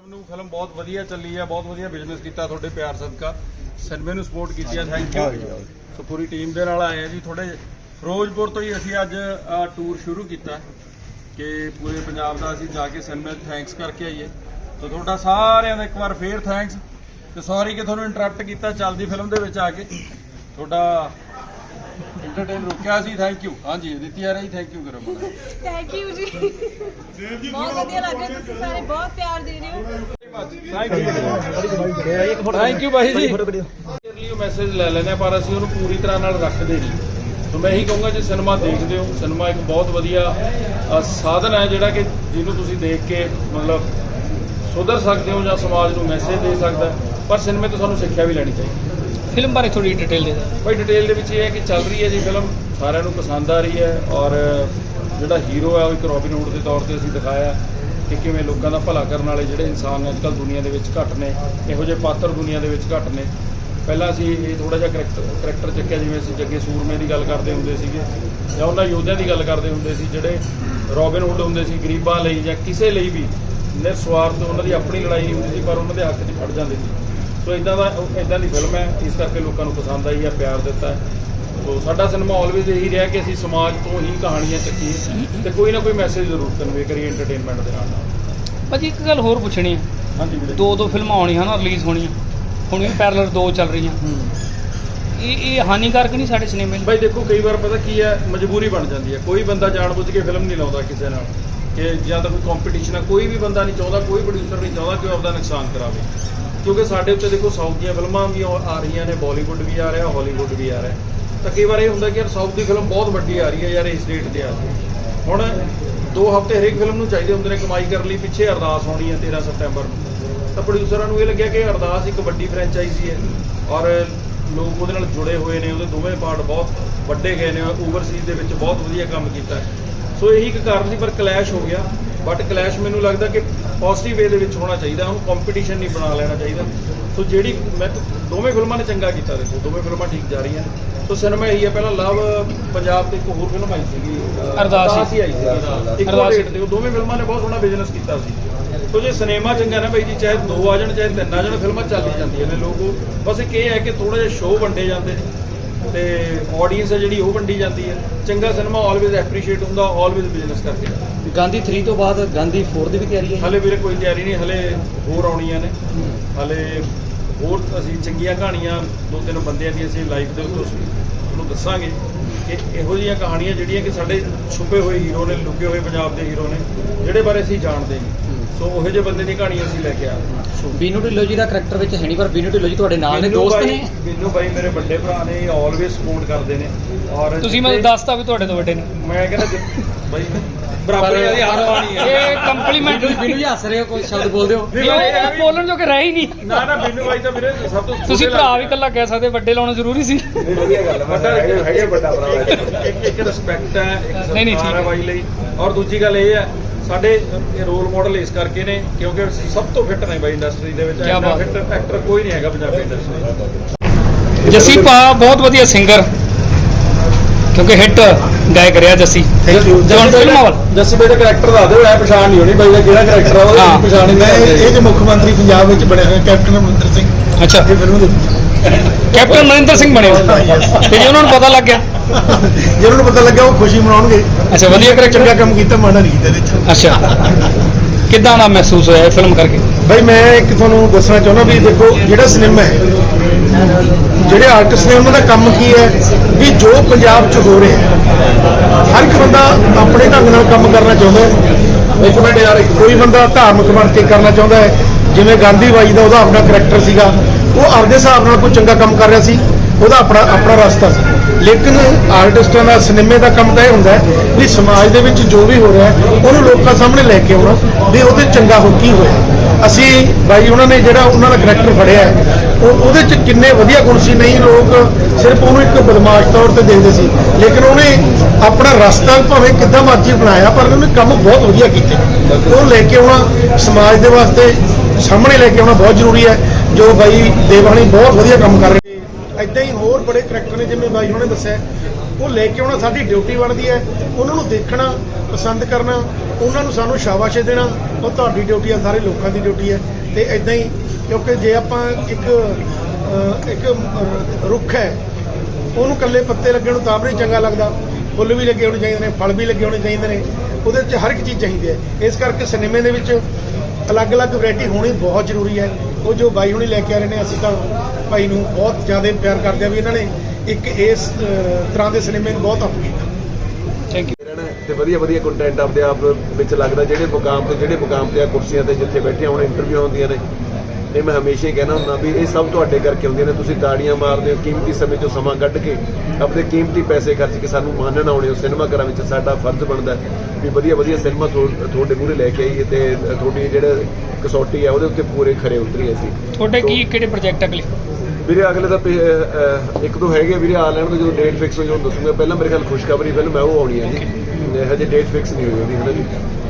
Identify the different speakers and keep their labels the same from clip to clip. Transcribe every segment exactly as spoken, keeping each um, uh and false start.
Speaker 1: ਨੂੰ ਫਿਲਮ ਬਹੁਤ ਵਧੀਆ ਚੱਲੀ ਹੈ, ਬਹੁਤ ਵਧੀਆ ਬਿਜ਼ਨਸ ਕੀਤਾ ਤੁਹਾਡੇ ਪਿਆਰ ਸਦਕਾ, ਸਿਨੇਮੇ ਨੂੰ ਸਪੋਰਟ ਕੀਤੀ ਹੈ, ਥੈਂਕ ਯੂ। ਸੋ ਪੂਰੀ ਟੀਮ ਦੇ ਨਾਲ ਆਏ ਆ ਜੀ। ਥੋੜੇ ਫਿਰੋਜ਼ਪੁਰ ਤੋਂ ਹੀ ਅਸੀਂ ਅੱਜ ਟੂਰ ਸ਼ੁਰੂ ਕੀਤਾ ਕਿ ਪੂਰੇ ਪੰਜਾਬ ਦਾ ਅਸੀਂ ਜਾ ਕੇ ਸਿਨੇਮੇ ਥੈਂਕਸ ਕਰਕੇ ਆਈਏ। ਸੋ ਤੁਹਾਡਾ ਸਾਰਿਆਂ ਦਾ ਇੱਕ ਵਾਰ ਫੇਰ ਥੈਂਕਸ ਤੇ ਸੌਰੀ ਕਿ ਤੁਹਾਨੂੰ ਇੰਟਰਰਪਟ ਕੀਤਾ ਚੱਲਦੀ ਫਿਲਮ ਦੇ ਵਿੱਚ ਆ ਕੇ, ਤੁਹਾਡਾ ਇੰਟਰਟੇਨ ਰੁਕਿਆ ਸੀ। Thank you. ਹਾਂਜੀ ਦਿੱਤੀ ਆ ਰਹੀ, ਥੈਂਕ ਯੂ ਕਰੋ।
Speaker 2: ਥੈਂਕ ਯੂ ਜੀ, ਬਹੁਤ ਵਧੀਆ ਲੱਗ ਰਿਹਾ, ਤੁਸੀਂ ਸਾਰੇ ਬਹੁਤ ਪਿਆਰ ਦੇ ਰਹੇ ਹੋ।
Speaker 1: ਥੈਂਕ ਯੂ ਭਾਈ ਜੀ। ਲਈ ਉਹ ਮੈਸੇਜ ਲੈ ਲੈਣੇ ਪਰ ਅਸੀਂ ਉਹਨੂੰ ਪੂਰੀ ਤਰ੍ਹਾਂ ਨਾਲ ਰੱਖਦੇ ਨਹੀਂ। ਸੋ ਮੈਂ ਇਹੀ ਕਹੂੰਗਾ ਜੇ ਸਿਨੇਮਾ ਦੇਖਦੇ ਹੋ, ਸਿਨੇਮਾ ਇੱਕ ਬਹੁਤ ਵਧੀਆ ਸਾਧਨ ਹੈ ਜਿਹੜਾ ਕਿ ਜਿਹਨੂੰ ਤੁਸੀਂ ਦੇਖ ਕੇ ਮਤਲਬ ਸੁਧਰ ਸਕਦੇ ਹੋ ਜਾਂ ਸਮਾਜ ਨੂੰ ਮੈਸੇਜ ਦੇ ਸਕਦਾ, ਪਰ ਸਿਨੇਮੇ ਤੋਂ ਸਾਨੂੰ ਸਿੱਖਿਆ ਵੀ ਲੈਣੀ ਚਾਹੀਦੀ।
Speaker 3: ਫਿਲਮ ਬਾਰੇ ਥੋੜੀ ਡਿਟੇਲ ਦੇ ਦਿਓ
Speaker 1: ਭਾਈ। ਡਿਟੇਲ ਦੇ ਵਿੱਚ ਇਹ ਹੈ ਕਿ ਚੱਲ ਰਹੀ ਹੈ ਜੀ ਫਿਲਮ, ਸਾਰਿਆਂ ਨੂੰ ਪਸੰਦ ਆ ਰਹੀ ਹੈ ਔਰ ਜਿਹੜਾ ਹੀਰੋ ਹੈ ਉਹ ਇੱਕ ਰੋਬਿਨ ਹੁੱਡ ਦੇ ਤੌਰ ਤੇ ਅਸੀਂ ਦਿਖਾਇਆ ਕਿ ਕਿਵੇਂ ਲੋਕਾਂ ਦਾ ਭਲਾ ਕਰਨ ਵਾਲੇ ਜਿਹੜੇ ਇਨਸਾਨ ਨੇ ਅੱਜ ਕੱਲ੍ਹ ਦੁਨੀਆ ਦੇ ਵਿੱਚ ਘੱਟ ਨੇ, ਇਹੋ ਜਿਹੇ ਪਾਤਰ ਦੁਨੀਆ ਦੇ ਵਿੱਚ ਘੱਟ ਨੇ। ਪਹਿਲਾਂ ਅਸੀਂ ਇਹ ਥੋੜ੍ਹਾ ਜਿਹਾ ਕਰੈਕਟਰ ਕਰੈਕਟਰ ਚੱਕਿਆ, ਜਿਵੇਂ ਅਸੀਂ ਜੱਗੇ ਸੂਰਮੇ ਦੀ ਗੱਲ ਕਰਦੇ ਹੁੰਦੇ ਸੀਗੇ ਜਾਂ ਉਹਨਾਂ ਯੋਧਿਆਂ ਦੀ ਗੱਲ ਕਰਦੇ ਹੁੰਦੇ ਸੀ ਜਿਹੜੇ ਰੋਬਿਨ ਹੁੱਡ ਹੁੰਦੇ ਸੀ ਗਰੀਬਾਂ ਲਈ ਜਾਂ ਕਿਸੇ ਲਈ ਵੀ ਨਿਰਸਵਾਰਥ, ਉਹਨਾਂ ਦੀ ਆਪਣੀ ਲੜਾਈ ਨਹੀਂ ਹੁੰਦੀ ਸੀ ਪਰ ਉਹਨਾਂ ਦੇ ਹੱਕ 'ਚ ਖੜ ਜਾਂਦੇ ਸੀ। ਸੋ ਇੱਦਾਂ ਦਾ ਇੱਦਾਂ ਦੀ ਫਿਲਮ ਹੈ, ਇਸ ਕਰਕੇ ਲੋਕਾਂ ਨੂੰ ਪਸੰਦ ਆਈ ਹੈ, ਪਿਆਰ ਦਿੱਤਾ ਹੈ। ਸੋ ਸਾਡਾ ਸਿਨੇਮਾ ਆਲਵੇਜ਼ ਇਹੀ ਰਿਹਾ ਕਿ ਅਸੀਂ ਸਮਾਜ ਤੋਂ ਹੀ ਕਹਾਣੀਆਂ ਚੱਕੀਏ ਤੇ ਕੋਈ ਨਾ ਕੋਈ ਮੈਸੇਜ ਜ਼ਰੂਰ ਕਨਵੇ ਕਰੀਏ ਐਂਟਰਟੇਨਮੈਂਟ ਦੇ ਨਾਲ ਨਾਲ।
Speaker 3: ਭਾਜੀ ਇੱਕ ਗੱਲ ਹੋਰ ਪੁੱਛਣੀ ਹੈ,
Speaker 1: ਹਾਂਜੀ ਵੀਰੇ।
Speaker 3: ਦੋ ਦੋ ਫਿਲਮਾਂ ਆਉਣੀਆਂ ਨਾ, ਰਿਲੀਜ਼ ਹੋਣੀਆਂ, ਹੁਣ ਵੀ ਪੈਰਲਲ ਦੋ ਚੱਲ ਰਹੀਆਂ, ਇਹ ਇਹ ਹਾਨੀਕਾਰਕ ਨਹੀਂ ਸਾਡੇ ਸਿਨੇਮੇ ਲਈ?
Speaker 1: ਭਾਈ ਦੇਖੋ ਕਈ ਵਾਰ ਪਤਾ ਕੀ ਹੈ, ਮਜਬੂਰੀ ਬਣ ਜਾਂਦੀ ਹੈ। ਕੋਈ ਬੰਦਾ ਜਾਣਬੁੱਝ ਕੇ ਫਿਲਮ ਨਹੀਂ ਲਾਉਂਦਾ ਕਿਸੇ ਨਾਲ ਕਿ ਜਾਂ ਤਾਂ ਕੋਈ ਕੰਪੀਟੀਸ਼ਨ ਹੈ, ਕੋਈ ਵੀ ਬੰਦਾ ਨਹੀਂ ਚਾਹੁੰਦਾ, ਕੋਈ ਪ੍ਰੋਡਿਊਸਰ ਨਹੀਂ ਚਾਹੁੰਦਾ ਕਿ ਉਹ ਆਪਦਾ ਨੁਕਸਾਨ ਕਰਾਵੇ, ਕਿਉਂਕਿ ਸਾਡੇ ਉੱਤੇ ਦੇਖੋ ਸਾਊਥ ਦੀਆਂ ਫਿਲਮਾਂ ਵੀ ਆ ਰਹੀਆਂ ਨੇ, ਬਾਲੀਵੁੱਡ ਵੀ ਆ ਰਿਹਾ, ਹਾਲੀਵੁੱਡ ਵੀ ਆ ਰਿਹਾ। ਤਾਂ ਕਈ ਵਾਰ ਇਹ ਹੁੰਦਾ ਕਿ ਯਾਰ ਸਾਊਥ ਦੀ ਫਿਲਮ ਬਹੁਤ ਵੱਡੀ ਆ ਰਹੀ ਹੈ ਯਾਰ, ਇਸ ਡੇਟ 'ਤੇ ਆ ਰਹੀ। ਹੁਣ ਦੋ ਹਫ਼ਤੇ ਹਰੇਕ ਫਿਲਮ ਨੂੰ ਚਾਹੀਦੇ ਹੁੰਦੇ ਨੇ ਕਮਾਈ ਕਰਨ ਲਈ। ਪਿੱਛੇ ਅਰਦਾਸ ਹੋਣੀ ਹੈ ਤੇਰ੍ਹਾਂ ਸਤੰਬਰ ਨੂੰ, ਤਾਂ ਪ੍ਰੋਡਿਊਸਰਾਂ ਨੂੰ ਇਹ ਲੱਗਿਆ ਕਿ ਅਰਦਾਸ ਇੱਕ ਵੱਡੀ ਫਰੈਂਚਾਈਜ਼ੀ ਹੈ ਔਰ ਲੋਕ ਉਹਦੇ ਨਾਲ ਜੁੜੇ ਹੋਏ ਨੇ, ਉਹਦੇ ਦੋਵੇਂ ਪਾਰਟ ਬਹੁਤ ਵੱਡੇ ਗਏ ਨੇ, ਓਵਰਸੀਜ਼ ਦੇ ਵਿੱਚ ਬਹੁਤ ਵਧੀਆ ਕੰਮ ਕੀਤਾ। ਸੋ ਇਹੀ ਇੱਕ ਕਾਰਨ ਸੀ, ਪਰ ਕਲੈਸ਼ ਹੋ ਗਿਆ। ਬਟ ਕਲੈਸ਼ ਮੈਨੂੰ ਲੱਗਦਾ ਕਿ ਪੋਜ਼ਿਟਿਵ ਵੇ ਦੇ ਵਿੱਚ ਹੋਣਾ ਚਾਹੀਦਾ, ਉਹਨੂੰ ਕੰਪੀਟੀਸ਼ਨ ਨਹੀਂ ਬਣਾ ਲੈਣਾ ਚਾਹੀਦਾ। ਸੋ ਜਿਹੜੀ ਮੈਂ ਦੋਵੇਂ ਫਿਲਮਾਂ ਨੇ ਚੰਗਾ ਕੀਤਾ, ਦੇਖੋ ਦੋਵੇਂ ਫਿਲਮਾਂ ਠੀਕ ਜਾ ਰਹੀਆਂ। ਸੋ ਸਿਨੇਮਾ ਇਹੀ ਹੈ, ਪਹਿਲਾਂ ਲਵ ਪੰਜਾਬ ਤੇ ਇੱਕ ਹੋਰ ਫਿਲਮ ਆਈ ਸੀਗੀ ਅਰਦਾਸ ਹੀ ਆਈ ਸੀ ਇੱਕੋ ਡੇਟ ਤੇ, ਉਹ ਦੋਵੇਂ ਫਿਲਮਾਂ ਨੇ ਬਹੁਤ ਸੋਹਣਾ ਬਿਜ਼ਨਸ ਕੀਤਾ ਸੀ। ਸੋ ਜੇ ਸਿਨੇਮਾ ਚੰਗਾ ਨਾ ਬਾਈ ਜੀ, ਚਾਹੇ ਦੋ ਆ ਜਾਣ ਚਾਹੇ ਤਿੰਨ ਆ ਜਾਣ, ਫਿਲਮਾਂ ਚੱਲ ਹੀ ਜਾਂਦੀਆਂ ਨੇ। ਲੋਕ ਬਸ ਇੱਕ ਇਹ ਹੈ ਕਿ ਥੋੜ੍ਹਾ ਜਿਹਾ ਸ਼ੋਅ ਵੰਡੇ ਜਾਂਦੇ ਨੇ ਤੇ ਆਡੀਅנס ਹੈ ਜਿਹੜੀ ਉਹ ਵੰਡੀ ਜਾਂਦੀ ਹੈ। ਚੰਗਾ ਸਿਨੇਮਾ ਆਲਵੇਜ਼ ਐਪਰੀਸ਼ੀਏਟ ਹੁੰਦਾ, ਆਲਵੇਜ਼ ਬਿਜ਼ਨਸ ਕਰਕੇ।
Speaker 4: ਗਾਂਧੀ ਥ੍ਰੀ ਤੋਂ ਬਾਅਦ ਗਾਂਧੀ ਫੋਰ ਦੀ ਵੀ ਤਿਆਰੀ ਹੈ?
Speaker 1: ਹਲੇ ਵੀਰੇ ਕੋਈ ਤਿਆਰੀ ਨਹੀਂ, ਹਲੇ ਹੋਰ ਆਉਣੀਆਂ ਨੇ। ਹਲੇ ਹੋਰ ਅਸੀਂ ਚੰਗੀਆਂ ਕਹਾਣੀਆਂ ਦੋ ਤਿੰਨ ਬੰਦਿਆਂ ਦੀ ਅਸੀਂ ਲਾਈਫ ਦੇ ਉੱਤੇ ਤੁਹਾਨੂੰ ਦੱਸਾਂਗੇ ਕਿ ਇਹੋ ਜਿਹੀਆਂ ਕਹਾਣੀਆਂ ਜਿਹੜੀਆਂ ਕਿ ਸਾਡੇ ਛੁਪੇ ਹੋਏ ਹੀਰੋ ਨੇ, ਲੁਕੇ ਹੋਏ ਪੰਜਾਬ ਦੇ ਹੀਰੋ ਨੇ, ਜਿਹੜੇ ਬਾਰੇ ਅਸੀਂ ਜਾਣਦੇ ਨਹੀਂ। ਸੋ ਉਹੋ ਜਿਹੇ ਬੰਦੇ ਦੀ ਕਹਾਣੀ ਅਸੀਂ ਲੈ ਕੇ ਆ ਰਹੇ ਹਾਂ।
Speaker 4: ਬੀਨੂ ਢਿੱਲੋਂ ਜੀ ਦਾ ਕਰੈਕਟਰ ਵਿੱਚ ਹੈ ਨਹੀਂ, ਪਰ ਬੀਨੂ ਢਿੱਲੋਂ ਜੀ ਤੁਹਾਡੇ ਨਾਲ ਨੇ, ਦੋਸਤ ਨੇ?
Speaker 1: ਬੀਨੂ ਬਾਈ ਮੇਰੇ ਵੱਡੇ ਭਰਾ ਨੇ, ਆਲਵੇਜ਼ ਸਪੋਰਟ ਕਰਦੇ ਨੇ। ਔਰ
Speaker 3: ਤੁਸੀਂ ਮੈਨੂੰ ਦੱਸਤਾ ਵੀ ਤੁਹਾਡੇ ਤੋਂ ਵੱਡੇ ਨੇ?
Speaker 1: ਮੈਂ ਕਹਿੰਦਾ ਬਾਈ ਬਰਾਬਰ ਦੀ ਹਰ ਬਾਣੀ ਹੈ।
Speaker 3: ਇਹ ਕੰਪਲੀਮੈਂਟ।
Speaker 4: ਬੀਨੂ ਜੀ ਹੱਸ ਰਹੇ ਹੋ, ਕੋਈ ਸ਼ਬਦ ਬੋਲਦੇ ਹੋ?
Speaker 3: ਉਹ ਬੋਲਣ ਜੋ ਕਿ ਰਹਿ ਹੀ ਨਹੀਂ।
Speaker 1: ਨਾ ਨਾ ਬੀਨੂ ਬਾਈ ਤਾਂ ਵੀਰੇ ਸਭ ਤੋਂ
Speaker 3: ਤੁਸੀਂ ਭਰਾ ਵੀ ਇਕੱਲਾ ਕਹਿ ਸਕਦੇ, ਵੱਡੇ ਲਾਉਣਾ ਜ਼ਰੂਰੀ ਸੀ।
Speaker 1: ਵਧੀਆ ਗੱਲ ਹੈ, ਹੈਗੇ ਵੱਡਾ ਭਰਾ। ਇੱਕ ਇੱਕ ਰਿਸਪੈਕਟ ਹੈ, ਇੱਕ ਸਤਿਕਾਰ ਹੈ ਬਾਈ ਲਈ। ਔਰ ਦੂਜੀ ਗੱਲ ਇਹ ਹੈ, ਸਾਡੇ ਰੋਲ ਮਾਡਲ ਇਸ ਕਰਕੇ ਨੇ ਕਿਉਂਕਿ ਸਭ ਤੋਂ ਫਿੱਟ ਨੇ ਬਾਈ ਇੰਡਸਟਰੀ ਦੇ ਵਿੱਚ। ਇੰਨਾ ਫਿੱਟ ਐਕਟਰ ਕੋਈ ਨਹੀਂ ਹੈਗਾ ਪੰਜਾਬੀ ਇੰਡਸਟਰੀ।
Speaker 3: ਜੱਸੀ ਭਾ ਬਹੁਤ ਵਧੀਆ ਸਿੰਗਰ, ਕਿਉਂਕਿ ਹਿੱਟ ਗਾਇਕ ਰਿਹਾ ਜੱਸੀ।
Speaker 1: ਜੱਸੀ ਬਾਈ ਦਾ ਕਰੈਕਟਰ ਦੱਸ ਦਿਓ, ਐ ਪਛਾਣ ਨਹੀਂ ਹੋਣੀ ਬਾਈ ਦਾ ਕਿਹੜਾ ਕਰੈਕਟਰ ਆ, ਉਹ ਪਛਾਣ ਨਹੀਂ।
Speaker 5: ਇਹ ਜੇ ਮੁੱਖ ਮੰਤਰੀ ਪੰਜਾਬ ਵਿੱਚ ਬਣੇ ਹੋਏ ਕੈਪਟਨ ਅਮਰਿੰਦਰ ਸਿੰਘ।
Speaker 3: ਅੱਛਾ,
Speaker 5: ਇਹ ਫਿਲਮ ਦੇ
Speaker 3: ਕੈਪਟਨ ਅਮਰਿੰਦਰ ਸਿੰਘ ਬਣੇ ਤੇ ਜੇ ਉਹਨਾਂ ਨੂੰ ਪਤਾ ਲੱਗ ਗਿਆ,
Speaker 5: ਜੇ ਉਹਨਾਂ ਨੂੰ ਪਤਾ ਲੱਗਿਆ ਉਹ ਖੁਸ਼ੀ ਮਨਾਉਣਗੇ।
Speaker 3: ਅੱਛਾ, ਵਧੀਆ ਕਰੈਕਟਰ,
Speaker 5: ਚੰਗਾ ਕੰਮ ਕੀਤਾ, ਮਾੜਾ ਨਹੀਂ ਕੀਤਾ ਇਹਦੇ ਵਿੱਚ।
Speaker 3: ਅੱਛਾ, ਕਿੱਦਾਂ ਦਾ ਮਹਿਸੂਸ ਹੋਇਆ ਇਹ ਫਿਲਮ ਕਰਕੇ?
Speaker 5: ਬਾਈ ਮੈਂ ਇੱਕ ਤੁਹਾਨੂੰ ਦੱਸਣਾ ਚਾਹੁੰਦਾ ਵੀ ਦੇਖੋ ਜਿਹੜਾ ਸਿਨੇਮਾ ਹੈ, ਜਿਹੜੇ ਆਰਟਿਸਟ ਨੇ ਉਹਨਾਂ ਦਾ ਕੰਮ ਕੀ ਹੈ ਵੀ ਜੋ ਪੰਜਾਬ 'ਚ ਹੋ ਰਿਹਾ ਹੈ, ਹਰ ਇੱਕ ਬੰਦਾ ਆਪਣੇ ਢੰਗ ਨਾਲ ਕੰਮ ਕਰਨਾ ਚਾਹੁੰਦਾ ਹੈ। ਇੱਕ ਮਿੰਟ ਯਾਰ, ਕੋਈ ਬੰਦਾ ਧਾਰਮਿਕ ਬਣ ਕੇ ਕਰਨਾ ਚਾਹੁੰਦਾ ਹੈ, ਜਿਵੇਂ ਗਾਂਧੀ ਬਾਈ ਦਾ ਉਹਦਾ ਆਪਣਾ ਕਰੈਕਟਰ ਸੀਗਾ, ਉਹ ਆਪਦੇ ਹਿਸਾਬ ਨਾਲ ਕੋਈ ਚੰਗਾ ਕੰਮ ਕਰ ਰਿਹਾ ਸੀ, ਉਹਦਾ ਆਪਣਾ ਆਪਣਾ ਰਸਤਾ ਸੀ। ਲੇਕਿਨ ਆਰਟਿਸਟਾਂ ਦਾ, ਸਿਨੇਮੇ ਦਾ ਕੰਮ ਤਾਂ ਇਹ ਹੁੰਦਾ ਹੈ ਵੀ ਸਮਾਜ ਦੇ ਵਿੱਚ ਜੋ ਵੀ ਹੋ ਰਿਹਾ ਉਹਨੂੰ ਲੋਕਾਂ ਸਾਹਮਣੇ ਲੈ ਕੇ ਆਉਣਾ ਵੀ ਉਹਦੇ ਚੰਗਾ ਹੋ ਕੀ ਹੋਇਆ। ਅਸੀਂ ਬਾਈ ਉਹਨਾਂ ਨੇ ਜਿਹੜਾ ਉਹਨਾਂ ਦਾ ਕਰੈਕਟਰ ਫੜਿਆ ਉਹ ਉਹਦੇ 'ਚ ਕਿੰਨੇ ਵਧੀਆ ਗੁਣ ਸੀ। ਨਹੀਂ ਲੋਕ ਸਿਰਫ ਉਹਨੂੰ ਇੱਕ ਬਦਮਾਸ਼ ਤੌਰ ਤੇ ਦੇਖਦੇ ਸੀ, ਲੇਕਿਨ ਉਹਨੇ ਆਪਣਾ ਰਸਤਾ ਭਾਵੇਂ ਕਿੱਦਾਂ ਮਰਜ਼ੀ ਬਣਾਇਆ ਪਰ ਉਹਨੇ ਕੰਮ ਬਹੁਤ ਵਧੀਆ ਕੀਤੇ। ਉਹ ਲੈ ਕੇ ਆਉਣਾ ਸਮਾਜ ਦੇ ਵਾਸਤੇ ਸਾਹਮਣੇ ਲੈ ਕੇ ਆਉਣਾ ਬਹੁਤ ਜ਼ਰੂਰੀ ਹੈ, ਜੋ ਬਾਈ ਦੇਵਾਨੀ ਬਹੁਤ ਵਧੀਆ ਕੰਮ ਕਰ ਰਹੇ। ਇੱਦਾਂ ਹੀ ਹੋਰ ਬੜੇ ਕਰੈਕਟਰ ਨੇ ਜਿਵੇਂ ਬਾਈ ਉਹਨੇ ਦੱਸਿਆ, ਉਹ ਲੈ ਕੇ ਆਉਣਾ ਸਾਡੀ ਡਿਊਟੀ ਬਣਦੀ ਹੈ। ਉਹਨਾਂ ਨੂੰ ਦੇਖਣਾ, ਪਸੰਦ ਕਰਨਾ ਉਹਨਾਂ ਨੂੰ ਸਾਨੂੰ ਸ਼ਾਬਾਸ਼ ਦੇਣਾ ਉਹ ਤੁਹਾਡੀ ਡਿਊਟੀ ਹੈ, ਸਾਰੇ ਲੋਕਾਂ ਦੀ ਡਿਊਟੀ ਹੈ। ਤੇ ਇਦਾਂ ਹੀ ਕਿਉਂਕਿ ਜੇ ਆਪਾਂ ਇੱਕ ਅ, ਇੱਕ ਰੁੱਖ ਹੈ ਉਹਨੂੰ ਇਕੱਲੇ ਪੱਤੇ ਲੱਗੇ ਨੂੰ ਤਾਂ ਵੀ ਨਹੀਂ ਚੰਗਾ ਲੱਗਦਾ, ਫੁੱਲ ਵੀ ਲੱਗੇ ਹੋਣੇ ਚਾਹੀਦੇ ਨੇ, ਫਲ ਵੀ ਲੱਗੇ ਹੋਣੇ ਚਾਹੀਦੇ ਨੇ, ਉਹਦੇ ਵਿੱਚ ਹਰ ਇੱਕ ਚੀਜ਼ ਚਾਹੀਦੀ ਹੈ। ਇਸ ਕਰਕੇ ਸਿਨੇਮੇ ਦੇ ਵਿੱਚ ਅਲੱਗ-ਅਲੱਗ ਵੈਰਾਈਟੀ ਹੋਣੀ ਬਹੁਤ ਜ਼ਰੂਰੀ ਹੈ। ਉਹ ਜੋ ਬਾਈ ਹੁਣੀ ਲੈ ਕੇ ਆ ਰਹੇ ਨੇ, ਅਸੀਂ ਤਾਂ ਭਾਈ ਨੂੰ ਬਹੁਤ ਜ਼ਿਆਦਾ ਪਿਆਰ ਕਰਦੇ ਹਾਂ ਵੀ ਇਹਨਾਂ ਨੇ ਇੱਕ ਇਸ ਅ, ਤਰ੍ਹਾਂ ਦੇ ਸਿਨੇਮੇ ਨੂੰ ਬਹੁਤ ਅਪ ਕੀਤਾ।
Speaker 3: Thank you.
Speaker 6: ਤੇ ਵਧੀਆ ਵਧੀਆ ਕੰਟੈਂਟ ਆਪਦੇ ਆਪ ਵਿੱਚ ਲੱਗਦਾ, ਜਿਹੜੇ ਮੁਕਾਮ ਤੇ ਜਿਹੜੇ ਮੁਕਾਮ ਤੇ ਆ ਕੁਰਸੀਆਂ ਤੇ ਜਿੱਥੇ ਬੈਠੇ ਹੁਣ ਇੰਟਰਵਿਊ ਹੁੰਦੀਆਂ ਨੇ, ਇਹ ਮੈਂ ਹਮੇਸ਼ਾ ਹੀ ਕਹਿਣਾ ਹੁੰਦਾ ਵੀ ਇਹ ਸਭ ਤੁਹਾਡੇ ਕਰਕੇ ਹੁੰਦੀਆਂ ਨੇ। ਤੁਸੀਂ ਤਾੜੀਆਂ ਮਾਰਦੇ ਹੋ, ਕੀਮਤੀ ਸਮੇਂ ਚੋਂ ਸਮਾਂ ਕੱਢ ਕੇ ਆਪਣੇ ਕੀਮਤੀ ਪੈਸੇ ਖਰਚ ਕੇ ਸਾਨੂੰ ਮਾਨਣ ਆਉਣੇ ਹੋ ਸਿਨੇਮਾ ਘਰਾਂ ਵਿੱਚ। ਸਾਡਾ ਫਰਜ਼ ਬਣਦਾ ਵੀ ਵਧੀਆ ਵਧੀਆ ਸਿਨੇਮਾ ਤੁਹਾਡੇ ਮੂਹਰੇ ਲੈ ਕੇ ਆਈਏ ਤੇ ਤੁਹਾਡੀ ਜਿਹੜੇ ਕਸੌਟੀ ਹੈ ਉਹਦੇ ਉੱਤੇ ਪੂਰੇ ਖਰੇ ਉਤਰੀਏ ਅਸੀਂ।
Speaker 3: ਤੁਹਾਡੇ ਕੀ ਕਿਹੜੇ ਪ੍ਰੋਜੈਕਟ ਅਗਲੇ?
Speaker 6: ਵੀਰੇ ਅਗਲੇ ਤਾਂ ਪੇ- ਅਹ ਇੱਕ ਦੋ ਹੈਗੇ ਵੀਰੇ, ਆ ਲੈਣ ਤੋਂ ਜਦੋਂ ਡੇਟ ਫਿਕਸ ਹੋ ਜਾਊ ਦੱਸੂਗਾ। ਪਹਿਲਾਂ ਮੇਰੇ ਖਿਆਲ ਖੁਸ਼ਖਬਰੀ ਫਿਲਮ ਹੈ ਉਹ ਆਉਣੀ ਹੈ ਜੀ, ਹਜੇ ਡੇਟ ਫਿਕਸ ਨਹੀਂ ਹੋਈ ਉਹਦੀ, ਹੈ ਨਾ ਜੀ।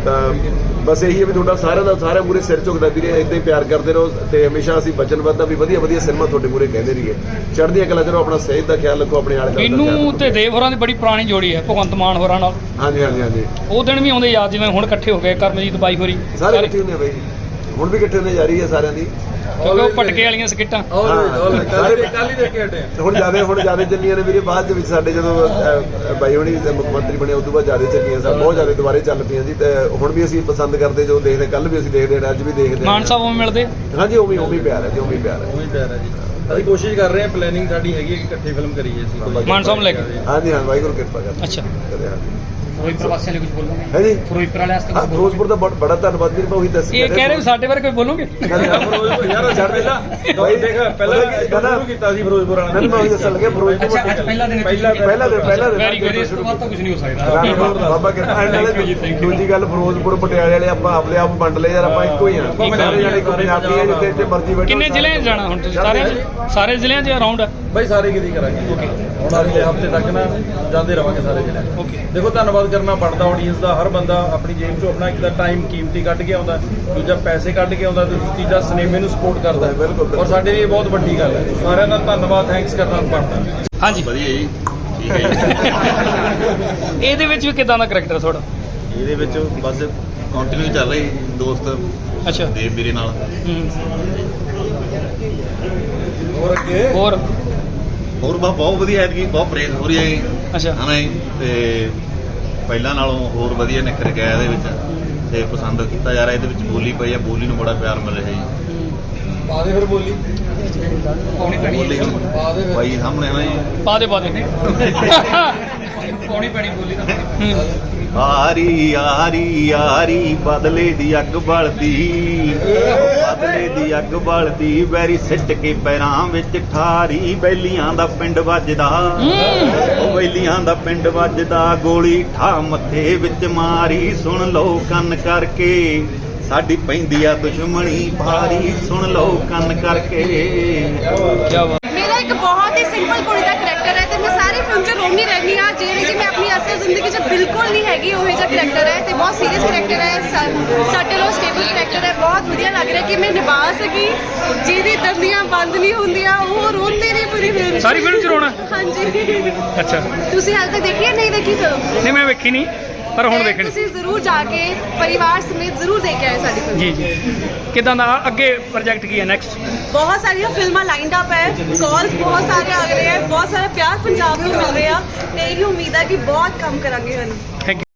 Speaker 6: ਤਾਂ ਬਸ ਇਹੀ ਹੈ ਵੀ ਤੁਹਾਡਾ ਸਾਰਿਆਂ ਦਾ ਸਾਰਿਆਂ ਮੂਹਰੇ ਸਿਰ ਝੁਕਦਾ ਵੀਰੇ, ਇੱਦਾਂ ਹੀ ਪਿਆਰ ਕਰਦੇ ਰਹੋ ਤੇ ਹਮੇਸ਼ਾ ਅਸੀਂ ਵਚਨਬੱਧ ਹਾਂ ਵੀ ਵਧੀਆ ਵਧੀਆ ਸਿਨੇਮਾ ਤੁਹਾਡੇ ਮੂਹਰੇ ਕਹਿੰਦੇ ਰਹੀਏ। ਚੜ੍ਹਦੀਆਂ ਕਲਾ ਕਰੋ, ਆਪਣਾ ਸਿਹਤ ਦਾ ਖਿਆਲ ਰੱਖੋ, ਆਪਣੇ ਆਲੇ ਦੁਆਲੇ ਦਾ ਖਿਆਲ
Speaker 3: ਮੈਨੂੰ
Speaker 6: ਰੱਖੋ।
Speaker 3: ਤੇ ਦੇਵ ਹੋਰਾਂ ਦੀ ਬੜੀ ਪੁਰਾਣੀ ਜੋੜੀ ਹੈ ਭਗਵੰਤ ਮਾਨ ਹੋਰਾਂ ਨਾਲ।
Speaker 6: ਹਾਂਜੀ ਹਾਂਜੀ ਹਾਂਜੀ
Speaker 3: ਉਹ ਦਿਨ ਵੀ ਆਉਂਦੇ ਯਾਦ ਜਿਵੇਂ ਹੁਣ ਇਕੱਠੇ ਹੋ ਗਏ ਕਰਮਜੀਤ ਬਾਈ ਹੋਰੀ
Speaker 6: ਸਾਰੇ ਇਕੱਠੇ ਹੁੰਦੇ ਆ ਬਾਈ, ਹੁਣ ਵੀ ਇਕੱਠੇ ਹੁੰਦੇ ਜਾ ਰਹੀ ਹੈ ਸਾਰਿਆਂ ਦੀ।
Speaker 3: ਕਿਉਂਕਿ ਉਹ ਪਟਕੇ ਵਾਲੀਆਂ ਸਕਿੱਟਾਂ
Speaker 1: ਸਾਰੇ ਕੱਲ ਹੀ ਦੇਖ ਕੇ ਹਟੇ ਆ।
Speaker 6: ਹੁਣ ਜਿਆਦਾ ਹੁਣ ਜਿਆਦਾ ਚੱਲੀਆਂ ਨੇ ਵੀਰੇ, ਬਾਅਦ ਦੇ ਵਿੱਚ ਸਾਡੇ ਜਦੋਂ ਅਹ, ਬਾਈ ਹੋਣੀ ਮੁੱਖ ਮੰਤਰੀ ਬਣੇ ਉਸ ਤੋਂ ਬਾਅਦ ਜਿਆਦਾ ਚੱਲੀਆਂ ਸਾ ਬਹੁਤ ਜਿਆਦਾ ਦੁਬਾਰੇ ਚੱਲ ਪਈਆਂ ਜੀ। ਤੇ ਹੁਣ ਵੀ ਅਸੀਂ ਪਸੰਦ ਕਰਦੇ, ਜੋ ਦੇਖਦੇ ਕੱਲ ਵੀ ਅਸੀਂ ਦੇਖਦੇ ਹਾਂ, ਅੱਜ ਵੀ ਦੇਖਦੇ
Speaker 3: ਮਾਨ ਸਾਹਿਬ ਉਵੇਂ ਮਿਲਦੇ।
Speaker 6: ਹਾਂਜੀ ਉਵੇਂ ਉਵੇਂ ਹੀ ਪਿਆਰ ਹੈ ਜੀ, ਉਵੇਂ ਹੀ ਪਿਆਰ ਹੈ।
Speaker 1: ਉਹੀ ਪਿਆਰ ਹੈ ਜੀ। ਅਸੀਂ ਕੋਸ਼ਿਸ਼ ਕਰ ਰਹੇ ਹਾਂ, ਪਲੈਨਿੰਗ ਸਾਡੀ ਹੈਗੀ ਹੈ ਕਿ ਇਕੱਠੇ ਫਿਲਮ ਕਰੀਏ ਅਸੀਂ ਕੋਈ।
Speaker 3: ਮਾਨ ਸਾਹਿਬ ਨੂੰ ਲੈ ਕੇ।
Speaker 6: ਹਾਂਜੀ ਹਾਂ ਵਾਹਿਗੁਰੂ ਕਿਰਪਾ ਕਰ
Speaker 3: ਅੱਛਾ।
Speaker 6: ਕਰੇ ਹਾਂ
Speaker 3: ਫਿਰੋਜ਼ਪੁਰ ਵਾਸੀਆਂ ਲਈ ਕੁਝ ਬੋਲੋਗੇ?
Speaker 6: ਹੈ ਜੀ
Speaker 3: ਫਿਰੋਜ਼ਪੁਰ ਵਾਲੇ ਵਾਸਤੇ
Speaker 6: ਹਾਂ ਫਿਰੋਜ਼ਪੁਰ ਦਾ ਬਹੁਤ ਬੜਾ ਧੰਨਵਾਦ ਵੀਰ, ਮੈਂ ਉਹੀ ਦੱਸ
Speaker 3: ਇਹ ਕਹਿ ਰਹੇ ਵੀ ਸਾਡੇ ਬਾਰੇ ਕੋਈ ਬੋਲੋਗੇ?
Speaker 1: ਫਿਰੋਜ਼ਪੁਰ ਯਾਰ ਛੱਡ ਪਹਿਲਾਂ ਬਾਈ ਦੇਖ ਪਹਿਲਾਂ ਸ਼ੁਰੂ ਕੀਤਾ ਸੀ ਫਿਰੋਜ਼ਪੁਰ ਵਾਲਿਆਂ
Speaker 6: ਮੈਂ ਉਹੀ ਦੱਸਣ ਲੱਗਿਆ ਫਿਰੋਜ਼ਪੁਰ
Speaker 3: ਅੱਛਾ ਅੱਜ ਪਹਿਲਾ ਦਿਨ
Speaker 1: ਪਹਿਲਾ
Speaker 6: ਪਹਿਲਾ ਦਿਨ ਪਹਿਲਾ ਦਿਨ
Speaker 3: ਵੈਰੀ ਗੁੱਡ। ਇਸ ਤੋਂ ਬਾਅਦ ਤਾਂ ਕੁਝ ਨਹੀਂ ਹੋ ਸਕਦਾ।
Speaker 6: ਬਾਬਾ ਕਿਰਪਾ
Speaker 3: Thank you ਜੀ, thank you।
Speaker 6: ਦੂਜੀ ਗੱਲ ਫਿਰੋਜ਼ਪੁਰ ਪਟਿਆਲੇ ਵਾਲੇ ਆਪਾਂ ਆਪਣੇ ਆਪ ਵੰਡ ਲਏ ਯਾਰ, ਆਪਾਂ ਇੱਕੋ ਹੀ ਆ ਸਾਰੇ ਜਾਣੇ ਇੱਕੋ ਪੰਜਾਬੀ ਆ, ਜਿੱਥੇ ਇੱਥੇ ਮਰਜ਼ੀ ਬੈਠੋ।
Speaker 3: ਕਿੰਨੇ ਜ਼ਿਲ੍ਹਿਆਂ 'ਚ ਜਾਣਾ ਹੁਣ ਤੁਸੀਂ? ਸਾਰਿਆਂ 'ਚ ਸਾਰੇ ਜ਼ਿਲ੍ਹਿਆਂ 'ਚ ਅਰਾਊਂਡ?
Speaker 1: ਬਾਈ ਸਾਰੇ ਕਿਤੇ ਕਰਾਂਗੇ ਹੁਣ ਅਗਲੇ ਹਫਤੇ ਤੱਕ ਨਾ ਜਾਂਦੇ ਰਵਾਂਗੇ ਸਾਰੇ ਜਿਹੜੇ।
Speaker 3: ਓਕੇ।
Speaker 1: ਦੇਖੋ ਧੰਨਵਾਦ ਕਰਨਾ ਬਣਦਾ ਆਡੀਅנס ਦਾ। ਹਰ ਬੰਦਾ ਆਪਣੀ ਜੇਬ ਚੋਂ ਆਪਣਾ ਇੱਕ ਤਾਂ ਟਾਈਮ ਕੀਮਤੀ ਕੱਢ ਕੇ ਆਉਂਦਾ, ਦੂਜਾ ਪੈਸੇ ਕੱਢ ਕੇ ਆਉਂਦਾ, ਤੇ ਤੀਜਾ ਸਿਨੇਮੇ ਨੂੰ ਸਪੋਰਟ ਕਰਦਾ ਹੈ।
Speaker 6: ਬਿਲਕੁਲ।
Speaker 1: ਔਰ ਸਾਡੇ ਲਈ ਇਹ ਬਹੁਤ ਵੱਡੀ ਗੱਲ ਹੈ। ਸਾਰਿਆਂ ਦਾ ਧੰਨਵਾਦ, ਥੈਂਕਸ ਕਰਨਾ ਬਣਦਾ।
Speaker 3: ਹਾਂਜੀ
Speaker 7: ਵਧੀਆ ਜੀ, ਠੀਕ ਹੈ ਜੀ।
Speaker 3: ਇਹਦੇ ਵਿੱਚ ਵੀ ਕਿਦਾਂ ਦਾ ਕਰੈਕਟਰ ਤੁਹਾਡਾ?
Speaker 7: ਇਹਦੇ ਵਿੱਚ ਬਸ ਕੰਟੀਨਿਊ ਚੱਲ ਰਹੀ ਦੋਸਤ
Speaker 3: ਅੱਛਾ।
Speaker 7: ਦੇਵ ਵੀਰੇ ਨਾਲ।
Speaker 3: ਹੂੰ।
Speaker 1: ਹੋਰ ਅੱਗੇ
Speaker 3: ਹੋਰ?
Speaker 7: ਹੋਰ ਬਾ ਬਹੁਤ ਵਧੀਆ ਐਤਕੀ, ਬਹੁਤ ਪ੍ਰੇਜ਼ ਹੋ ਰਹੀ ਹੈ ਜੀ,
Speaker 3: ਅੱਛਾ।
Speaker 7: ਹੈ ਨਾ ਜੀ। ਤੇ ਪਹਿਲਾਂ ਨਾਲੋਂ ਹੋਰ ਵਧੀਆ ਨਿਖਰ ਗਿਆ ਇਹਦੇ ਵਿੱਚ, ਤੇ ਪਸੰਦ ਕੀਤਾ ਜਾ ਰਿਹਾ। ਇਹਦੇ ਵਿੱਚ ਬੋਲੀ ਪਈ ਆ, ਬੋਲੀ ਨੂੰ ਬੜਾ ਪਿਆਰ ਮਿਲ ਰਿਹਾ ਜੀ।
Speaker 1: ਪਾ ਦੇ ਫਿਰ ਬੋਲੀ।
Speaker 3: ਪਾਉਣੀ ਪੈਣੀ
Speaker 7: ਬੋਲੀ
Speaker 3: ਹੈ।
Speaker 7: ਬਾਈ ਸਾਹਮਣੇ ਹੈ ਨਾ ਜੀ।
Speaker 3: ਪਾ ਦੇ ਪਾ ਦੇ। ਪਾਉਣੀ ਪੈਣੀ ਬੋਲੀ ਤਾਂ। ਹੂੰ।
Speaker 7: ਆਰੀ ਆਰੀ ਆਰੀ ਬਦਲੇ ਦੀ ਅੱਗ ਬਲਦੀ, ਬਦਲੇ ਦੀ ਅੱਗ ਬਲਦੀ, ਬੈਰੀ ਸਿੱਟ ਕੇ ਪੈਰਾਂ ਵਿੱਚ ਠਾਰੀ, ਬੈਲੀਆਂ ਦਾ ਪਿੰਡ ਵੱਜਦਾ, ਉਹ ਬੈਲੀਆਂ ਦਾ ਪਿੰਡ ਵੱਜਦਾ, ਗੋਲੀ ਠਾ ਮੱਥੇ ਵਿੱਚ ਮਾਰੀ, ਸੁਣ ਲਓ ਕੰਨ ਕਰਕੇ ਸਾਡੀ ਪੈਂਦੀ ਆ ਦੁਸ਼ਮਣੀ ਭਾਰੀ, ਸੁਣ ਲਓ ਕੰਨ ਕਰਕੇ।
Speaker 3: ਕੀ ਬਾਤ।
Speaker 2: ਮੇਰਾ ਇੱਕ ਬਹੁਤ ਹੀ ਸਿੰਪਲ ਕੁੜੀ ਦਾ ਕਰੈਕਟਰ ਹੈ ਤੇ ਮੈਂ ਸਾਰੀ ਫਿਲਮ 'ਚ ਰੋਂਦੀ ਰਹਿੰਦੀ ਹਾਂ, ਜਿਹੜੇ ਕਿ ਮੈਂ ਆਪਣੀ ਅਸਲ ਜ਼ਿੰਦਗੀ 'ਚ ਬਿਲਕੁਲ ਨਹੀਂ ਹੈਗੀ ਉਹ ਜਿਹਾ ਕਰੈਕਟਰ ਹੈ ਤੇ ਬਹੁਤ ਸੀਰੀਅਸ ਕਰੈਕਟਰ ਹੈ, ਸਾਡੇ ਲੋ ਸਟੇਬਲ ਕਰੈਕਟਰ ਹੈ। ਬਹੁਤ ਵਧੀਆ ਲੱਗ ਰਿਹਾ ਕਿ ਮੈਂ ਨਿਭਾ ਸਕੀ, ਜਿਹਦੀ ਦੰਦੀਆਂ ਬੰਦ ਨਹੀਂ ਹੁੰਦੀਆਂ ਉਹ ਰੋਂਦੇ ਨੇ ਪੂਰੀ ਫਿਲਮ 'ਚ।
Speaker 3: ਸਾਰੀ ਫਿਲਮ 'ਚ ਰੋਣਾ?
Speaker 2: ਹਾਂਜੀ।
Speaker 3: ਅੱਛਾ।
Speaker 2: ਤੁਸੀਂ ਹਾਲੇ ਤੱਕ ਦੇਖੀ ਹੈ? ਨਹੀਂ ਦੇਖੀ ਫਿਲਮ?
Speaker 3: ਨਹੀਂ ਮੈਂ ਵੇਖੀ ਨਹੀਂ, ਪਰ ਹੁਣ ਵੇਖਣੀ।
Speaker 2: ਤੁਸੀਂ ਜ਼ਰੂਰ ਜਾ ਕੇ ਪਰਿਵਾਰ ਸਮੇਤ ਜ਼ਰੂਰ ਦੇਖ ਕੇ ਆਏ ਸਾਡੀ ਫਿਲਮ।
Speaker 3: ਜੀ ਜੀ। ਕਿਦਾਂ ਦਾ ਅੱਗੇ ਪ੍ਰੋਜੈਕਟ ਕੀ ਹੈ ਨੈਕਸਟ?
Speaker 2: ਬਹੁਤ ਸਾਰੀਆਂ ਫਿਲਮਾਂ ਲਾਈਨਡ ਅਪ ਹੈ, ਕਾਲਸ ਬਹੁਤ ਸਾਰੇ ਆ ਰਹੇ ਹੈ, ਬਹੁਤ ਸਾਰਾ ਪਿਆਰ ਪੰਜਾਬ ਨੂੰ ਮਿਲ ਰਿਹਾ ਤੇ ਇਹੀ ਉਮੀਦ ਹੈ ਕਿ ਬਹੁਤ ਕੰਮ ਕਰਾਂਗੇ ਹੁਣ।
Speaker 3: Thank you.